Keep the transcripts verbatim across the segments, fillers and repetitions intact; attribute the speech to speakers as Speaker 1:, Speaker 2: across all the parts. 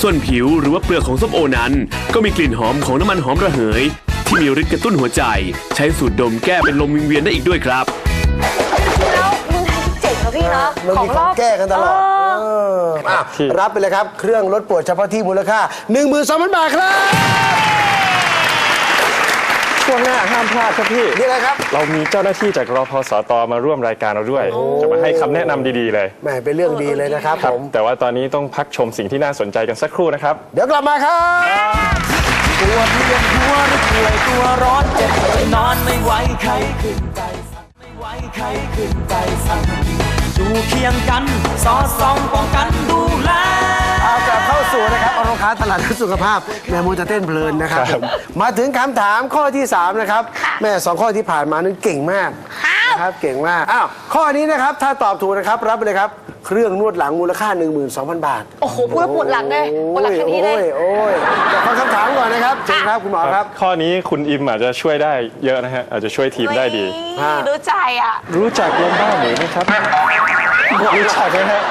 Speaker 1: ส่วนผิวหรือว่าเปลือกของส้มโอนั้นก็มีกลิ่นหอมของน้ำมันหอมระเหยที่มีฤทธิ์กระตุ้นหัวใจใช้สูดดมแก้เป็นลมวิงเวียนได้อีกด้วยครับ
Speaker 2: แล้วมึงไทยเจ๋งนะพี่เนาะ
Speaker 3: มันมีของแก้กันตลอดอ่ะรับไปเลยครับเครื่องลดปวดเฉพาะที่มูลค่า หนึ่งหมื่นสองพัน บาทครับ
Speaker 4: ช่วงหน้าห้ามพลาดครับพี่
Speaker 3: นี่อะไรครับ
Speaker 4: เรามีเจ้าหน้าที่จากรพสตมาร่วมรายการเราด้วยจะมาให้คำแนะนำดีๆเลย
Speaker 3: แหมเป็นเรื่องดีเลยนะครับผม
Speaker 4: แต่ว่าตอนนี้ต้องพักชมสิ่งที่น่าสนใจกันสักครู่นะครับ
Speaker 3: เดี๋ยวกลับมาครับ
Speaker 5: ปวดเวียนหัวหรือป่วยตัวร้อนเจ็บไปนอนไม่ไหวใครขึ้นใจสั่นไม่ไหวใครขึ้นใจสั่นอยู่เคียงกันสอดส่องป้องกันดูแล
Speaker 3: เอากลับเข้าสู่นะครับอารมณ์ค้าตลาดสุขภาพแม่มูจะเต้นเพลินนะครับมาถึงคำถามข้อที่สามนะครับแม่สองข้อที่ผ่านมานั้นเก่งมากนะครับเก่งมากอ้าวข้อนี้นะครับถ้าตอบถูกนะครับรับไปเลยครับเครื่องนวดหลังมูลค่า หนึ่งหมื่นสองพัน บาท
Speaker 2: โอ้โหพูดแล้วปวดหลังเลยปวดหลังทันทีเลย
Speaker 3: โอ้ยฟังคำถามก่อนนะครับเชิญครับคุณหมอครับ
Speaker 4: ข้อนี้คุณอิมอาจจะช่วยได้เยอะนะฮะอาจจะช่วยทีมได้ดี
Speaker 2: รู้ใจอ่ะ
Speaker 4: รู้จักลมบ้าหมูไหมครับรู้จักไหมฮะ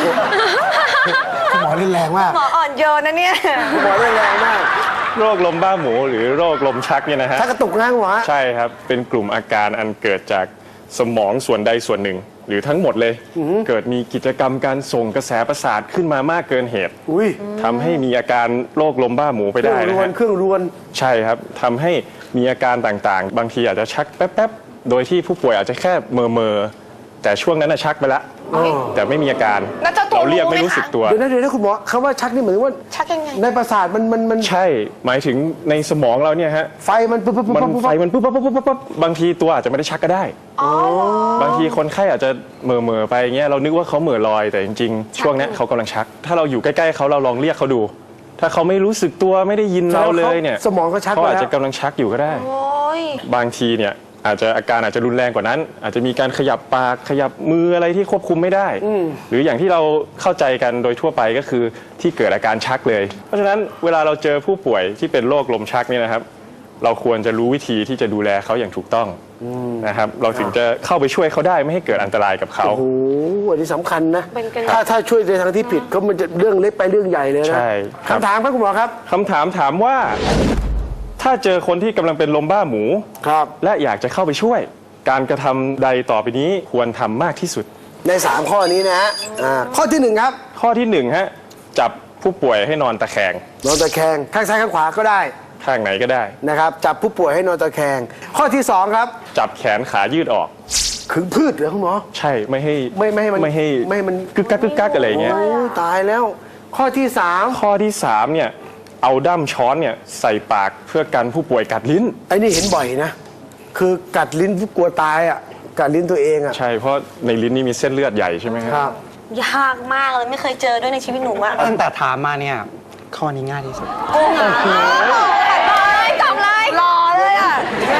Speaker 3: คุณหมอเล่นแรงมาก
Speaker 2: หมออ่อนโยนนะเนี่ย
Speaker 3: คุณหมอเล่นแรงมาก
Speaker 4: โรคลมบ้าหมูหรือโรคลมชักเนี่ยนะฮะ
Speaker 3: ชักกระตุกนะคุณหมอ
Speaker 4: ใช่ครับเป็นกลุ่มอาการอันเกิดจากสมองส่วนใดส่วนหนึ่งหรือทั้งหมดเลยเกิดมีกิจกรรมการส่งกระแสประสาทขึ้นมามากเกินเหตุทำให้มีอาการโรคลมบ้าหมูไปได้นะฮะ
Speaker 3: เครื่องรวน
Speaker 4: ใช่ครับทำให้มีอาการต่างๆบางทีอาจจะชักแป๊บๆโดยที่ผู้ป่วยอาจจะแค่เมอเมอแต่ช่วงนั้นชักไปแล้วแต่ไม่มีอาการเราเรียกไม่รู้สึกตัว
Speaker 3: เดี๋ยวนะเดี๋ยวนะคุณหมอคำว่าชักนี่เหมือนว่า
Speaker 2: ชักยังไง
Speaker 3: ในประสาทมันมันมัน
Speaker 4: ใช่หมายถึงในสมองเราเนี่ยฮะ
Speaker 3: ไฟมันปุ๊บปุ๊บปุ๊บ
Speaker 4: ไฟมันปุ๊บปุ๊บปุ๊บปุ๊บบางทีตัวอาจจะไม่ได้ชักก็ได้บางทีคนไข้อาจจะเมอเมอไปเงี้ยเรานึกว่าเขาเหม่อลอยแต่จริงๆช่วงนี้เขากำลังชักถ้าเราอยู่ใกล้ๆเขาเราลองเรียกเขาดู ถ้าเขาไม่รู้สึกตัวไม่ได้ยินเราเลยเนี่ย
Speaker 3: สมองเขาชัก
Speaker 4: เขาอาจจะกำลังชักอยู่ก็ได้บางทีเนี่ยอาจจะอาการอาจจะรุนแรงกว่านั้น อาจจะมีการขยับปากขยับมืออะไรที่ควบคุมไม่ได้หรืออย่างที่เราเข้าใจกันโดยทั่วไปก็คือที่เกิดอาการชักเลยเพราะฉะนั้นเวลาเราเจอผู้ป่วยที่เป็นโรคลมชักเนี่ยนะครับเราควรจะรู้วิธีที่จะดูแลเขาอย่างถูกต้องนะครับเราถึงจะเข้าไปช่วยเขาได้ไม่ให้เกิดอันตรายกับเขา
Speaker 3: โอ้โหอันนี้สำคัญนะถ้าถ้าช่วยในทางที่ผิดก็มันจะเรื่องเล็กไปเรื่องใหญ่เลยนะ
Speaker 4: ใช่
Speaker 3: คำถามครับคุณหมอครับ
Speaker 4: คำถามถามว่าถ้าเจอคนที่กำลังเป็นลมบ้าหมู
Speaker 3: ครับ
Speaker 4: และอยากจะเข้าไปช่วยการกระทำใดต่อไปนี้ควรทำมากที่สุด
Speaker 3: ในสามข้อนี้นะฮะข้อที่หนึ่งครับ
Speaker 4: ข้อที่หนึ่งฮะจับผู้ป่วยให้นอนตะแคง
Speaker 3: นอนตะแคงข้างซ้ายข้างขวาก็ได้
Speaker 4: ข้างไหนก็ได้
Speaker 3: นะครับจับผู้ป่วยให้นอนตะแคงข้อที่สองครับ
Speaker 4: จับแขนขายืดออก
Speaker 3: ขึงพืชเหรอคุณหมอ
Speaker 4: ใช่ไม่ให้
Speaker 3: ไม่ไม่ให้มัน
Speaker 4: ไม่ให้
Speaker 3: ไม่ให้มัน
Speaker 4: กึกกักกึกกักอะไรเงี้ย
Speaker 3: ตายแล้วข้อที่สาม
Speaker 4: ข้อที่สามเนี่ยเอาด้ามช้อนเนี่ยใส่ปากเพื่อกันผู้ป่วยกัดลิ้น
Speaker 3: ไอ้นี่เห็นบ่อยนะคือกัดลิ้นกลัวตายอ่ะกัดลิ้นตัวเองอ่ะ
Speaker 4: ใช่เพราะในลิ้นนี่มีเส้นเลือดใหญ่ใช่ไหมครับ
Speaker 2: ยากมากเลยไม่เคยเจอด้วยในชีวิตหนูอะ
Speaker 6: ตั้งแต่ถามมาเนี่ยข้อนี้ง่ายที่สุด
Speaker 2: โอ้โหทำไรรอเลยอ่ะ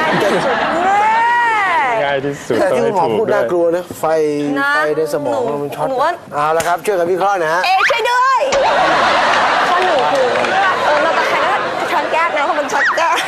Speaker 4: ง่ายที่สุด
Speaker 3: แต่ที่คุณหมอพูดน่ากลัวนะไฟไฟในสมองมันช็อตเอาละครับช่วยกันวิเคราะห์นะฮะ
Speaker 2: เอ๊ช่วยด้วยข้อหนูคือเออเราตะแคงก็ช้อนแก้วนะเพราะมันช็อตแก้ว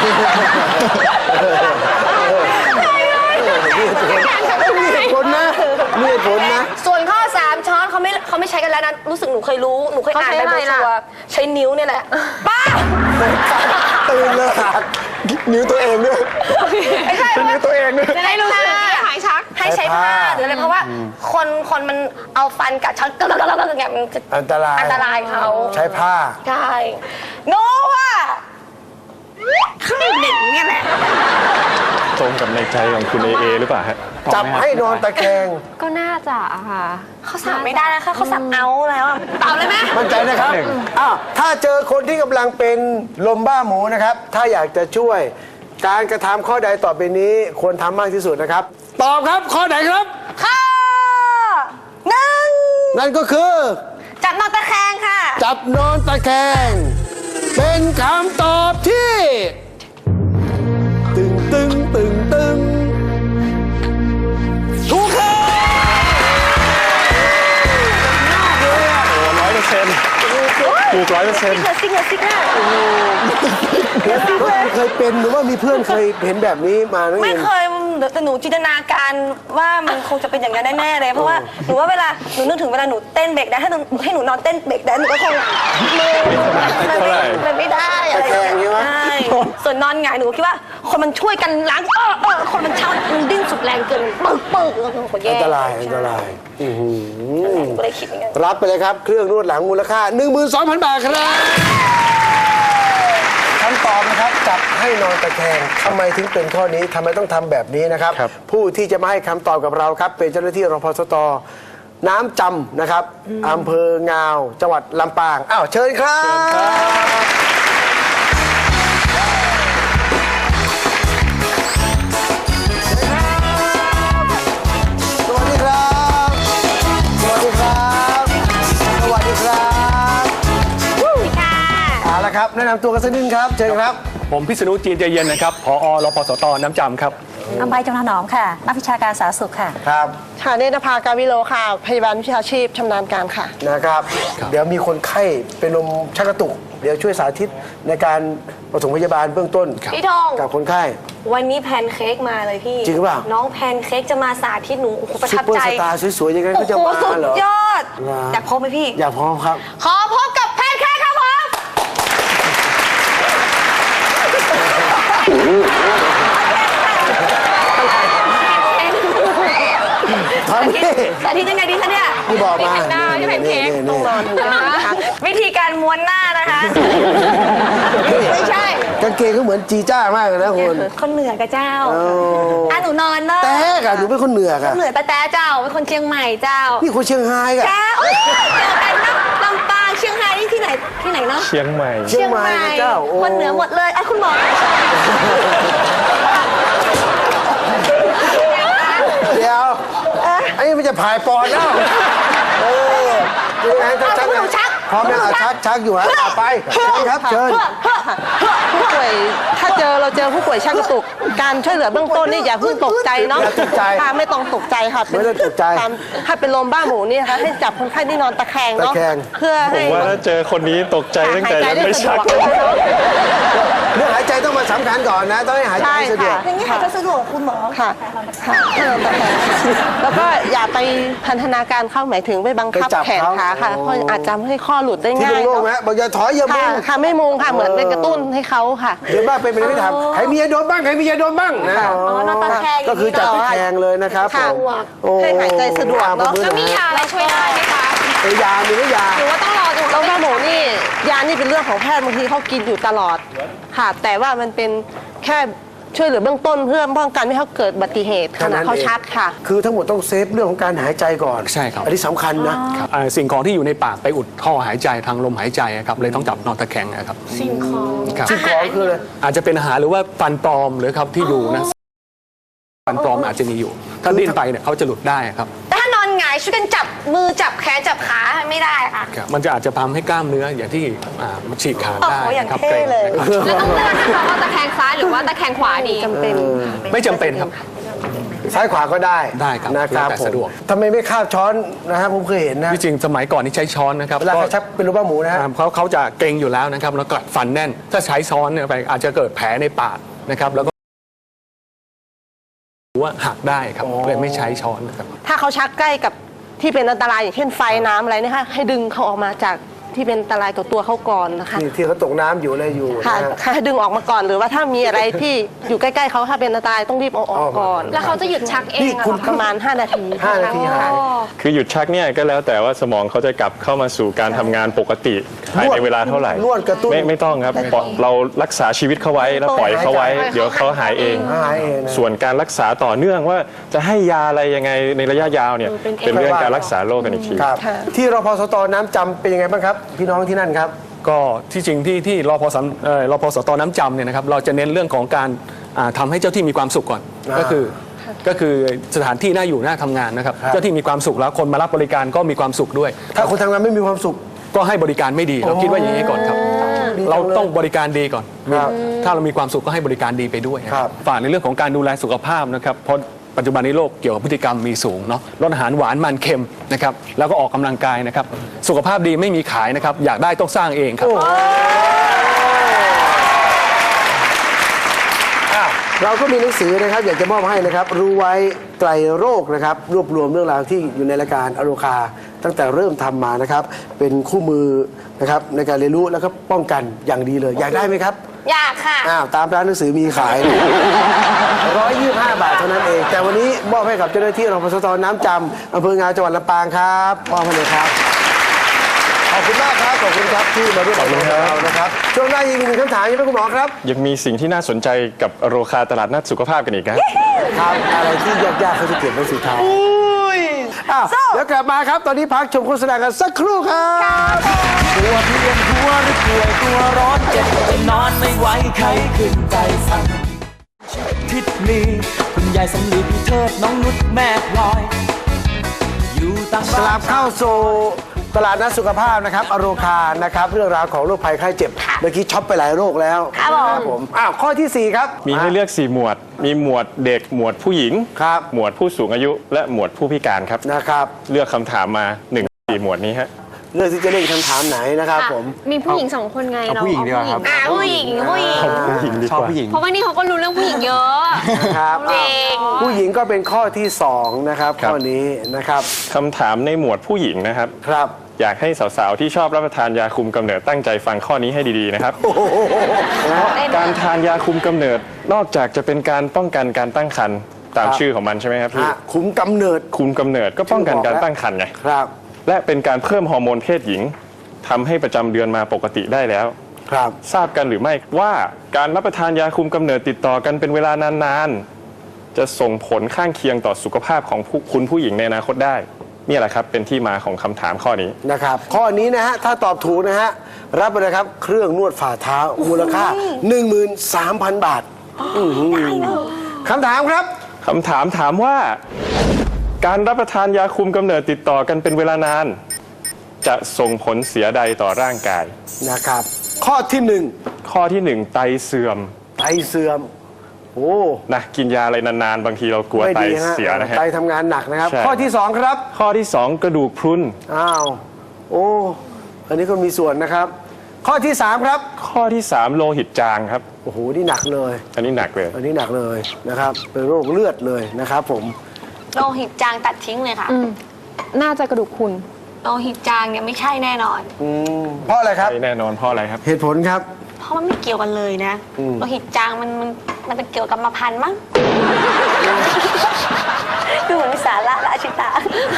Speaker 3: มีเหตุผลนะมีเหตุผลนะ
Speaker 2: ส่วนข้อสามช้อนเขาไม่เขาไม่ใช้กันแล้วนะรู้สึกหนูเคยรู้หนูเคยอ่านไปบนตัวใช้นิ้วเนี่ยแหละป้า
Speaker 3: ตื่นเลยนิ้วตัวเองด้วย
Speaker 2: ไม่ใช่
Speaker 3: นิ้วตัวเองด้วย
Speaker 2: จะได้รู้สึกหายชักให้ใช้ผ้าหรืออะไรเพราะว่าคนคนมันเอาฟันกัดช้อนก็แล้วแล้วอย่างเงี้ยมันจะ
Speaker 3: อันตราย
Speaker 2: อันตรายเขา
Speaker 3: ใช้ผ้า
Speaker 2: ใช่โน้ว่าข้างหนึ่งเนี่ยแหละ
Speaker 4: ตรงกับในใจของคุณเอเอหรือเปล่าฮะ
Speaker 3: จับให้นอนตะแคง
Speaker 7: ก็น่าจะค่ะ
Speaker 2: เขาสับไม่ได้นะคะเขาสับเอาแล้วตอบเลยไหม
Speaker 3: มั่นใจนะครับอ้าวถ้าเจอคนที่กำลังเป็นลมบ้าหมูนะครับถ้าอยากจะช่วยการกระทำข้อใดต่อไปนี้ควรทำมากที่สุดนะครับตอบครับข้อไหนครับ
Speaker 2: ข้อหนึ่ง
Speaker 3: นั่นก็คือ
Speaker 2: จับนอนตะแคงค่ะ
Speaker 3: จับนอนตะแคงเป็นคำตอบที่ตึงตึงตึงตึงถูกครับ
Speaker 4: ร้อยเปอร์เซ็นต์ถูกร้อยเปอร์เซ็นต์
Speaker 2: ซิกเลยซิกเลย
Speaker 3: เคยเป็นหรือว่ามีเพื่อนเคยเห็นแบบนี้มา
Speaker 2: ไม่เคยแต่หนูจินตนาการว่ามันคงจะเป็นอย่างนั้นแน่ๆเลยเพราะว่าหนูว่าเวลาหนูนึกถึงเวลาหนูเต้นเบรกได้ถ้าให้หนูนอนเต้นเบรกได้หนูก็คงมือมัน
Speaker 4: เท่าไหร่
Speaker 2: ไม่มันไม่ได้อะไร
Speaker 3: ตะแคงใช่ไหม
Speaker 2: ใช่ส่วนนอนหงายหนูคิดว่า คนมันช่วยกันล้างเออเออคนมันเช่ามันดิ้นสุดแรงเกินปึกปึกแล้วก็แย่
Speaker 3: อันตรายอันตรายอื้อหือ
Speaker 2: ก็เลยคิดอย่างนั้น
Speaker 3: รับไปเลยครับ เครื่องนวดหลังมูลค่า หนึ่งหมื่นสองพัน บาทครับคำตอบนะครับจับให้นอนตะแคงทำไมถึงเป็นข้อนี้ทำไมต้องทำแบบนี้นะครับ
Speaker 4: ครับ
Speaker 3: ผู้ที่จะมาให้คำตอบกับเราครับ เป็นเจ้าหน้าที่รพสตน้ำจำนะครับอำเภองาว จังหวัดลำปางอ้าวเชิญครับสวัสดีครับ สวัสดีครับ สวัสดีครับ
Speaker 2: ค่ะ
Speaker 3: เอาละครับ แนะนำตัวกันสักนิดครับ เชิญครับ
Speaker 7: ผมพิษณุจีนใจเย็นนะครับผอรพสตน้ำจำครับ
Speaker 8: อำไพจงถนอมค่ะ นักวิชาการสาธารณสุขค่ะ
Speaker 3: ครับ
Speaker 9: ค่ะเนตรภาการวิโรค่ะ พยาบาลวิชาชีพชำนาญการค่ะ
Speaker 3: นะครับ เดี๋ยวมีคนไข้เป็นลมชักกระตุก เดี๋ยวช่วยสาธิตในการปฐมพยาบาลเบื้องต้น
Speaker 2: พี่ทอง
Speaker 3: กับคนไข้
Speaker 2: วันนี้แพนเค้กมาเลยพี่
Speaker 3: จริงหรือเปล่า
Speaker 2: น้องแพนเค้กจะมาสาธิตหนูโอ้โหประ
Speaker 3: ซุป
Speaker 2: ทับ
Speaker 3: เปอร์
Speaker 2: ใจ
Speaker 3: สตาร์สวยๆอย่างนั้น
Speaker 2: โอ้
Speaker 3: ก็จะ
Speaker 2: โห
Speaker 3: มา
Speaker 2: สุด
Speaker 3: เหรอย
Speaker 2: อด
Speaker 3: เหรอ
Speaker 2: อยากพบไหมพี่
Speaker 3: อยากพร้อมครับ
Speaker 2: ขอพบกับแพนเค้กครับผม
Speaker 3: ทำนี่
Speaker 2: สาธิตยังไงดีคะเนี่ย
Speaker 3: ที่บอกมา
Speaker 2: หน้าที่แพนเค้ก
Speaker 3: นี่ๆๆ
Speaker 2: วิธีการม้วนหน้านะคะ ไม่ใช่
Speaker 3: กางเกงก็เหมือนจีจ้ามากเลยนะคุณ
Speaker 2: คนเหนือกับเจ้า
Speaker 3: โอ้
Speaker 2: อ่ะหนูนอนเนอะ
Speaker 3: แต่กะหนูเป็นคนเหนือกะ
Speaker 2: เหนือแต่แต่เจ้าเป็นคนเชียงใหม่เจ้า
Speaker 3: นี่คนเชียงรายกะ
Speaker 2: เจ้าเอ้ยเจอกันนะลำปางเชียงรายนี่ที่ไหนที่ไหนเนาะ
Speaker 4: เชียงใหม่
Speaker 3: เชียงใหม่นะเจ้าโอ้
Speaker 2: คนเหนือหมดเลยอ่ะคุณหมอ
Speaker 3: เดี๋ยวไอ้นี่มันจะผายปอดแล้วเออยังไงต้องชัก
Speaker 2: เอาคุณหนูชัก
Speaker 3: พร้อมไหมอ่ะชักชักอยู่ฮะอ่ะไปเชิญครับเชิญ
Speaker 9: ผู้ป่วยถ้าเจอเราเจอผู้ป่วยชักกระตุก การช่วยเหลือเบื้องต้นนี่อย่าเพิ่งตกใจเนาะ
Speaker 3: อย่าตกใจ
Speaker 9: ค่ะไม่ต้องตกใจค่ะเป็น
Speaker 3: ไม่ต้องตกใจ
Speaker 9: ตามถ้าเป็นลมบ้าหมูนี่นะคะให้จับคนไข้ที่นอนตะแคงเนาะ
Speaker 3: ตะแคง
Speaker 9: เพื่อ
Speaker 4: ผ
Speaker 9: ให้
Speaker 4: มว่าถ้าเจอคนนี้ตกใจตั้งแต่ยังไม่ชัก
Speaker 9: หายใจได้สะดวก
Speaker 3: เรื่องหายใจต้องมาสำคัญก่อนนะ ต้องให้หายใจ
Speaker 9: ใช่
Speaker 3: ให้สะดว
Speaker 9: ค่ะ
Speaker 3: ก
Speaker 2: อย่างนี้หายใจสะดวกคุณหมอ
Speaker 9: ค่ะค่ะให้นอนตะแคงแล้วก็อย่าไปพันธนาการเข้าหมายถึงไปบังคับ
Speaker 3: ไปจับ
Speaker 9: แขน
Speaker 3: เขา
Speaker 9: ขาค่ะ
Speaker 3: อ๋อ
Speaker 9: เพราะอาจจะทำให้ข้อหลุดได้
Speaker 3: ที่
Speaker 9: ง่าย
Speaker 3: โล่งๆ
Speaker 9: เนาะ
Speaker 3: นะบอกอย่าถอยอย่ามุ
Speaker 9: ค่ะ
Speaker 3: ง
Speaker 9: ค่ะไม่มุงค่ะเหมือนเป็นกระตุ้นให้เขาค่ะ
Speaker 3: เดี๋ยวบ้างเป็นไปไม่ทำใครมียาดมบ้างใครมียาดมบ้างนะ
Speaker 9: ค่ะ
Speaker 3: อ๋อ
Speaker 2: นอนตะแคง
Speaker 3: ก็คือจับตะแคงเลยนะครับ
Speaker 9: ค่ะ
Speaker 3: ผมโอ้
Speaker 9: ให้หายใจสะดวกเนอะ
Speaker 3: อ
Speaker 2: แล้วมียาอะไรช่วยได้ไหมคะ
Speaker 3: เออยามีหรือยา
Speaker 2: หรือว่าต้องรอจน
Speaker 9: แล้วบ้าหมูนี่ยานี่เป็นเรื่องของแพทย์บางทีเขากินอยู่ตลอดค่ะ แต่ว่ามันเป็นแค่ช่วยเหลือเบื้องต้นเพื่อป้องกันไม่ให้เขาเกิดอุบัติเหตุขณะเขาชักค่ะ
Speaker 3: คือทั้งหมดต้องเซฟเรื่องของการหายใจก่อน
Speaker 7: ใช่ครับ
Speaker 3: อันนี้สำคัญนะ
Speaker 7: อ่าสิ่งของที่อยู่ในปากไปอุดท่อหายใจทางลมหายใจครับเลยต้องจับนอนตะแคงนะครับ
Speaker 2: สิ่งของ
Speaker 7: ครับ
Speaker 3: สิ่งของคืออะไร
Speaker 7: อาจจะเป็นอาหารหรือว่าฟันปลอมหรือครับที่อยู่นะฟันปลอมอาจจะมีอยู่ ถ้าดิ้นไปเนี่ยเขาจะหลุดได้ครับ
Speaker 2: แต่ถ้านอนหงายช่วยกันจับมือจับแขนจับขาไม่ได้ค่ะ
Speaker 7: ครับ มันจะอาจจะทำให้กล้ามเนื้ออย่างที่อ่ามันฉีกขาดได้
Speaker 2: โอ้โหอย่าง
Speaker 7: นะครับ
Speaker 2: เท่เลย
Speaker 7: กร็งนะครับ
Speaker 2: แล้วต้องเลือกนะคะว่าตะแคงซ้ายหรือว่าตะแคงขวาดี
Speaker 9: จำเป็น
Speaker 7: ไม่จำเป็นครับ
Speaker 3: ซ้ายขวาก็ได้
Speaker 7: ได้ครับ
Speaker 3: นะครับ
Speaker 7: แล้วแต่
Speaker 3: ผม
Speaker 7: สะดวก
Speaker 3: ทำไมไม่คาบช้อนนะครับผมเคยเห็นนะ
Speaker 7: ที่จริงสมัยก่อนนี่ใช้ช้อนนะครับ
Speaker 3: เวลา
Speaker 7: ก็
Speaker 3: เขาชักเป็นรูปบ้าหมูนะฮะ
Speaker 7: อ่าเขาเขาจะเกรงอยู่แล้วนะครับแล้วกัดฟันแน่น ถ้าใช้ช้อนเนี่ยไปอาจจะเกิดแผลในปากนะครับแล้วก็หรือว่าหักได้ครับเลยไม่ใช้ช้อนนะครับ
Speaker 9: ถ้าเขาชักใกล้กับที่เป็นอันตรายอย่างเช่นไฟน้ำอะไรเนะคะให้ดึงเขาออกมาจากที่เป็นอันตรายกับตัวเขาก่อนนะคะ
Speaker 3: ที่ที่เขาตกน้ำอยู่อะไรอยู่
Speaker 9: ค่ะ
Speaker 3: นะฮะ
Speaker 9: ค่ะให้ดึงออกมาก่อนหรือว่าถ้ามีอะไรที่อยู่ใกล้ๆเขาถ้าเป็นอันตรายต้องรีบเอาออกก่อน
Speaker 2: แล้วเขาจะหยุดชักเอง
Speaker 3: นี่
Speaker 2: อะ
Speaker 3: คุณ
Speaker 9: ประมาณ ห้า นาที
Speaker 3: ห้านาทีหาย
Speaker 4: คือหยุดชักเนี่ยก็แล้วแต่ว่าสมองเขาจะกลับเข้ามาสู่การทำงานปกติภายในเวลาเท่าไหร่
Speaker 3: นวดกระตุ้น
Speaker 4: ไม่ไม่ต้องครับปล่อยเรารักษาชีวิตเขาไว้แล้วปล่อยเขาไว้ เดี๋ยวเขาหายเอง
Speaker 3: หายเองนะ
Speaker 4: ส่วนการรักษาต่อเนื่องว่าจะให้ยาอะไรยังไงในระยะยาวเนี่ยเป็นเรื่องการรักษาโรคกันอีกที
Speaker 3: ครับ ที่รพสตน้ำจำเป็นยังไงบ้างครับ พี่น้องที่นั่นครับ
Speaker 7: ก็ที่จริงที่ที่รพสเอ่อรพสตน้ำจำเนี่ยนะครับเราจะเน้นเรื่องของการอ่าทำาให้เจ้าที่มีความสุขก่อน
Speaker 3: อ่า
Speaker 7: ก็คือก็คือสถานที่น่าอยู่น่าทำงานนะครับ
Speaker 3: ครับ
Speaker 7: เจ้าที่มีความสุขแล้วคนมารับบริการก็มีความสุขด้วย
Speaker 3: ถ้าคนทำงานไม่มีความสุข
Speaker 7: ก็ให้บริการไม่ดีเราคิดว่าอย่างนี้ก่อนครับ
Speaker 3: ดีจังเลย
Speaker 7: เราต้องบริการดีก่อน
Speaker 3: ครับ
Speaker 7: ถ้าเรามีความสุขก็ให้บริการดีไปด้วย
Speaker 3: ครับ
Speaker 7: ฝากในเรื่องของการดูแลสุขภาพนะครับเพราะปัจจุบันนี้โรคเกี่ยวกับพฤติกรรมมีสูงเนาะลดอาหารหวานมันเค็มนะครับแล้วก็ออกกำลังกายนะครับสุขภาพดีไม่มีขายนะครับอยากได้ต้องสร้างเองครับ
Speaker 3: เราก็มีหนังสือนะครับอยากจะมอบให้นะครับรู้ไว้ไตรโรคนะครับรวบรวมเรื่องราวที่อยู่ในรายการอโรคาตั้งแต่เริ่มทำมานะครับเป็นคู่มือนะครับในการเรียนรู้แล้วก็ป้องกันอย่างดีเลย อยากได้ไหมครับ
Speaker 2: อยากค่ะ
Speaker 3: อ้าวตามร้านหนังสือมีขาย ร้อยยี่สิบห้าบาทเท่านั้นเอง แต่วันนี้มอบให้กับเจ้าหน้าที่รพสตน้ำจำอำเภองาวจังหวัดลำปางครับมอบให้เลยครับขอบคุณมากครับขอบคุณครับที่มาร่วมกับเรานะครับช่วงหน้ายังมีหนึ่งคำถามยังไม่คุณหมอครับ
Speaker 4: ยังมีสิ่งที่น่าสนใจกับโรคาตลาดนัดสุขภาพกันอีกนะ
Speaker 3: ครับอะไรที่ยากๆเขาจะเก็บไว้สุดท้ายอ้าวเดี๋ยวกลับมาครับ ตอนนี้พักชมโฆษณากันสักครู่ครับ
Speaker 5: ตัวเพียนหัวหรือป่วยตัวร้อนเจ็บจนนอนไม่ไหวใครขึ้นใจสั่นทิศนี้คุณยายสำลีพี่เทิดน้องนุชแม่พลอย อยู่ต่าง
Speaker 3: กลับเข้าสู่ตลาดนัดสุขภาพนะครับอโรคานะครับเรื่องราวของโรคภัยไข้เจ็บเมื่อกี้ช็อปไปหลายโรคแล้ว
Speaker 2: ครับผม
Speaker 3: อ้าวข้อที่สี่ครับ
Speaker 4: มีให้เลือกสี่หมวด มีหมวดเด็กหมวดผู้หญิง
Speaker 3: ครับ
Speaker 4: หมวดผู้สูงอายุ และหมวดผู้พิการครับ
Speaker 3: นะครับ
Speaker 4: เลือกคำถามมาหนึ่งสี่หมวดนี้ฮะ
Speaker 3: เลือกที่จะเล่นคำถามไหนนะครับผม
Speaker 2: มีผู้หญิงสองคนไง
Speaker 6: เอา
Speaker 2: เรา
Speaker 6: ผู้หญิงดีกว่าครับ
Speaker 2: อ่าผู้หญิงผู้หญิง
Speaker 4: ผู้หญิงดี
Speaker 6: ชอบ
Speaker 4: กว่า
Speaker 6: ผู้หญิง
Speaker 2: เพราะว่านี่เขาก็รู้เรื่องผู้หญิงเยอะ
Speaker 3: ครับ
Speaker 2: จริง
Speaker 3: ผู้หญิงก็เป็นข้อที่สองนะครับข้อนี้นะครับ
Speaker 4: คำถามในหมวดผู้หญิงนะครับ
Speaker 3: ครับ
Speaker 4: อยากให้สาวๆที่ชอบรับประทานยาคุมกำเนิดตั้งใจฟังข้อนี้ให้ดีๆนะครับ การทานยาคุมกำเนิดนอกจากจะเป็นการป้องกันการตั้งครรภ์ตาม
Speaker 3: ครับ
Speaker 4: ชื่อของมันใช่ไหมครับพี่
Speaker 3: อ่ะคุมกำเนิด
Speaker 4: คุมกำเนิดก็ป้องกันการตั้งครรภ์ไง
Speaker 3: ครับ
Speaker 4: และเป็นการเพิ่มฮอร์โมนเพศหญิงทำให้ประจำเดือนมาปกติได้แล้ว
Speaker 3: ครับ
Speaker 4: ทราบกันหรือไม่ว่าการรับประทานยาคุมกำเนิดติดต่อกันเป็นเวลานานๆ จะส่งผลข้างเคียงต่อสุขภาพของผู้คุณผู้หญิงในอนาคตได้นี่แหละครับเป็นที่มาของคำถามข้อนี้
Speaker 3: นะครับข้อนี้นะฮะถ้าตอบถูกนะฮะรับไปเลยครับเครื่องนวดฝ่าเท้ามูลค่า หนึ่งหมื่นสามพัน บาทอื้อหือคำถามครับ
Speaker 4: คำถามถามว่า การรับประทานยาคุมกำเนิดติดต่อกันเป็นเวลานาน จะส่งผลเสียใดต่อร่างกาย
Speaker 3: นะครับ ข้อที่หนึ่ง
Speaker 4: ข้อที่หนึ่งไตเสื่อม
Speaker 3: ไตเสื่อมโอ้
Speaker 4: นะกินยาอะไรนานๆ บางทีเรากลัว
Speaker 3: ไม่
Speaker 4: ไต
Speaker 3: ดีฮะ
Speaker 4: เสียนะฮะ
Speaker 3: ไตทำงานหนักนะครับ
Speaker 4: ใช่
Speaker 3: ข้อที่สองครับ
Speaker 4: ข้อที่สองกระดูกพรุน
Speaker 3: อ้าวโอ้อันนี้ก็มีส่วนนะครับ ข้อที่สามครับ
Speaker 4: ข้อที่สามโลหิตจางครับ
Speaker 3: โอ้โหนี่หนักเลย
Speaker 4: อันนี้หนักเลย
Speaker 3: อันนี้หนักเลยนะครับเป็นโรคเลือดเลยนะครับผม
Speaker 2: โลหิตจางตัดทิ้งเลยค่ะ
Speaker 9: น่าจะกระดูกพรุน
Speaker 2: โลหิตจางเนี่ยไม่ใช่แน่นอน
Speaker 3: อืมเพราะอะไรครับ
Speaker 4: แน่นอนเพราะอะไรครับ
Speaker 3: เหตุผลครับ
Speaker 2: เพราะมันไม่เกี่ยวกันเลยนะ
Speaker 3: อืม
Speaker 2: โลหิตจางมันมันมันเป็นเกี่ยวกับกรรมพันธุ์มั้ง ดูเหมือนมีสาระละอาชิตา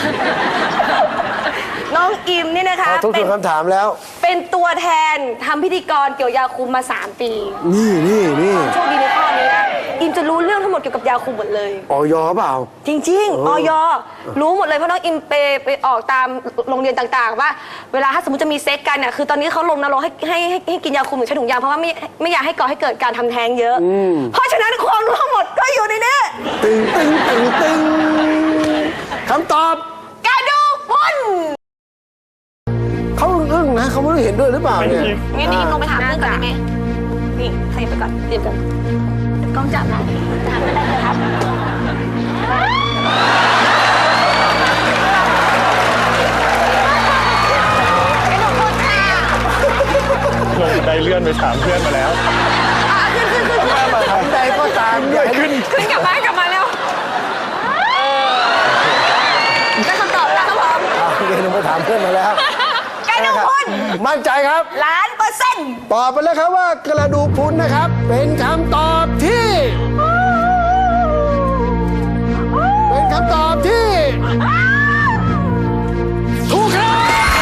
Speaker 2: น้องอิมนี่นะคะ
Speaker 3: ขอทบท
Speaker 2: เป็
Speaker 3: วน นคำถามแล้ว
Speaker 2: เป็นตัวแทนทำพิธีกรเกี่ยวยาคุมมาสามปี
Speaker 3: นี่นี่นี่
Speaker 2: โชคดีในข้อนี้นะ อิมจะรู้เรื่องทั้งหมดเกี่ยวกับยาคุมหมดเลย
Speaker 3: ออยเปล่า
Speaker 2: จริง
Speaker 3: เอ
Speaker 2: ๆ
Speaker 3: อ
Speaker 2: ออยรู้หมดเลยเพราะน้องอิมไปไปออกตามโรงเรียนต่างๆ ว่าเวลาถ้าสมมติจะมีเซ็กกันเนี่ยคือตอนนี้เขาลงนรกให้ให้ให้ให้กินยาคุมหรือใช้ถุงยางเพราะว่าไม่ไม่อยากให้ก่อให้เกิดการทำแท้งเยอะ เพราะฉะนั้นความรู้ทั้งหมดก็อยู่ในนี้
Speaker 3: ตึงตึงตึงตึงคำตอบ
Speaker 2: กระดูกพรุน
Speaker 3: เขาอึ้งๆนะเขาไม่รู้เห็นด้วยหรือเปล่าเนี่ย
Speaker 2: งั้นอิมลงไปถามเพื่อนก่อนได้ไหมนี่ใครไปก่อนเตรียมกันกล้องจับนะถามกันได้เลยครับกระดูกพรุนค่ะ
Speaker 4: ลงบันไดเลื่อนไปถามเพื่อนมาแล้ว
Speaker 2: อ่ะขึ้นขึ้นขึ้นขึ้น
Speaker 3: ใดก็ตามอย่าให้ขึ้น
Speaker 2: ขึ้นกลับมากลับมาเร็วได้คำตอบแล้วครับผม
Speaker 3: อ่ะเดี๋ยวลงไปถามเพื่อนมาแล้ว
Speaker 2: กระดูกพรุน
Speaker 3: มั่นใจครับ
Speaker 2: ล้านเปอร์เซ็นต์
Speaker 3: ตอบไปแล้วครับว่ากระดูกพรุนนะครับ เป็นคำตอบที่ เป็นคำตอบที่ถูกครับ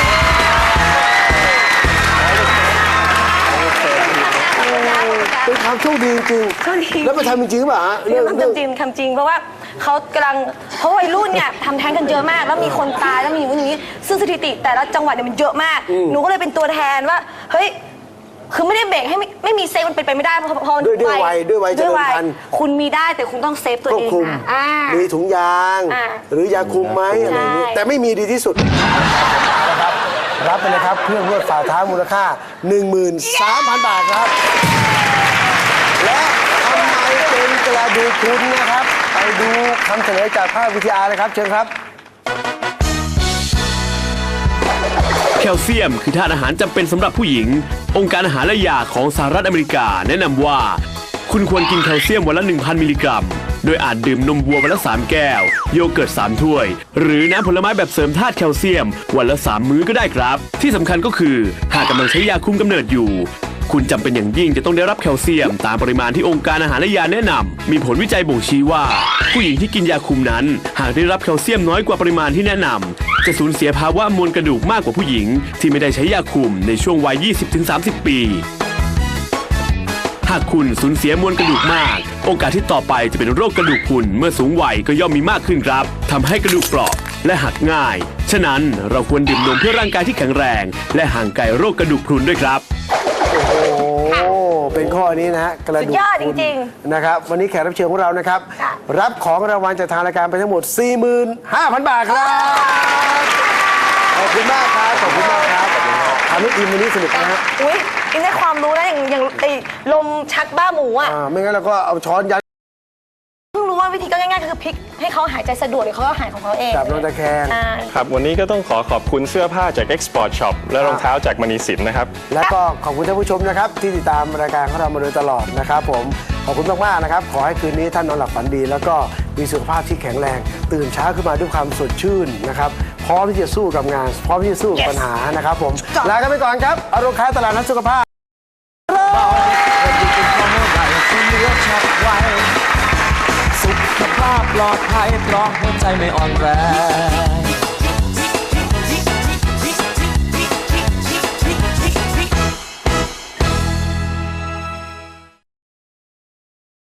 Speaker 3: เป็นความโชคดีจริง
Speaker 2: โชคดี
Speaker 3: ๆแล้วมาทำจริงๆหรือเปล่าฮะ
Speaker 2: เรื่องทำจริงทำจริงเพราะว่าเขากำลังเพราะวัยรุ่นเนี่ยทำแท้งกันเยอะมาก แล้วมีคนตายแล้วมีอย่างนู้นอย่างนี้ ซึ่งสถิติแต่ละจังหวัดเนี่ยมันเยอะมาก หนูก็เลยเป็นตัวแทนว่า เฮ้ย คือไม่ได้เบรกให้ไม่ไม่มีเซฟมันเป็นไปไม่ได้เพราะเพราะ
Speaker 3: ด้วยด้วยวัยด้วยวัยเจริญพันธุ์
Speaker 2: คุณมีได้แต่คุณต้องเซฟตัว
Speaker 3: ควบ
Speaker 2: เอง
Speaker 3: คุม
Speaker 2: นะอ่า
Speaker 3: มีถุงยาง
Speaker 2: อ่า
Speaker 3: หรือยาคุมไหมอะไรอย่างนี้
Speaker 2: ใช่
Speaker 3: แต่ไม่มีดีที่สุดนะครับรับไปเลยครับเครื่องนวดฝ่าเท้ามูลค่า หนึ่งหมื่นสามพัน บาทครับ และทำไมเป็นกระดูกพรุนนะครับ ไปดูคำเฉลยจากภาพวิทยาเลยครับ เชิญครับ
Speaker 1: แคลเซียมคือธาตุอาหารจำเป็นสำหรับผู้หญิง องค์การอาหารและยาของสหรัฐอเมริกาแนะนำว่า คุณควรกินแคลเซียมวันละ หนึ่งพัน มิลลิกรัมโดยอาจดื่มนมวัววันละสามแก้ว โยเกิร์ตสามถ้วย หรือน้ำผลไม้แบบเสริมธาตุแคลเซียม วันละสามมื้อก็ได้ครับ ที่สำคัญก็คือหากกำลังใช้ยาคุมกำเนิดอยู่ คุณจำเป็นอย่างยิ่งจะต้องได้รับแคลเซียมตามปริมาณที่องค์การอาหารและยาแนะนำมีผลวิจัยบ่งชี้ว่า ผู้หญิงที่กินยาคุมนั้น หากได้รับแคลเซียมน้อยกว่าปริมาณที่แนะนำจะสูญเสียภาวะมวลกระดูกมากกว่าผู้หญิง ที่ไม่ได้ใช้ยาคุมในช่วงวัย ยี่สิบถึงสามสิบ ปี หากคุณสูญเสียมวลกระดูกมาก โอกาสที่ต่อไปจะเป็นโรคกระดูกพรุนเมื่อสูงวัยก็ย่อมมีมากขึ้นครับทำให้กระดูกเปราะและหักง่าย ฉะนั้นเราควรดื่มนมเพื่อร่างกายที่แข็งแรง และห่างไกลโรคกระดูกพรุนด้วยครับ
Speaker 3: โอ้ เป็นข้อนี้นะฮะกระดูก
Speaker 2: สุดยอดจริง
Speaker 3: ๆนะครับ วันนี้แขกรับเชิญของเรานะครับ
Speaker 2: ค่ะ
Speaker 3: รับของรางวัลจากทางรายการไปทั้งหมด สี่หมื่นห้าพัน บาทครับ ขอบคุณมากครับ ขอบคุณมากครับทำให้ทีมวันนี้สนุกนะฮะ
Speaker 2: อุ้ยอินได้ความรู้นะอย่างอย่างไอ้ลมชักบ้าหมูอ่ะ
Speaker 3: อ่าไม่งั้นเราก็เอาช้อนยัด
Speaker 2: เพิ่งรู้ว่าวิธีก็ง่ายๆคือพลิกให้เขาหายใจสะดวกเดี๋ยวเขาก็หายของเขาเอง
Speaker 3: จับนอนตะแคง
Speaker 2: ใช่
Speaker 4: ครับวันนี้ก็ต้องขอขอบคุณเสื้อผ้าจาก Export Shop และรองเท้าจากมณีสินนะครับ
Speaker 3: แล้วก็ขอบคุณท่านผู้ชมนะครับ ที่ติดตามรายการของเรามาโดยตลอดนะครับผมขอบคุณมากๆนะครับ ขอให้คืนนี้ท่านนอนหลับฝันดี แล้วก็มีสุขภาพที่แข็งแรง ตื่นเช้าขึ้นมาด้วยความสดชื่นนะครับพร้อมที่จะสู้กับงาน พร้อมที่จะสู้กับปัญหานะครับผมลากันไปก่อนครับอารมณ์ค้าตลาดนัดสุขภาพ
Speaker 5: สุขภาพปลอดภัยเพราะหัวใจไม่อ่อนแรง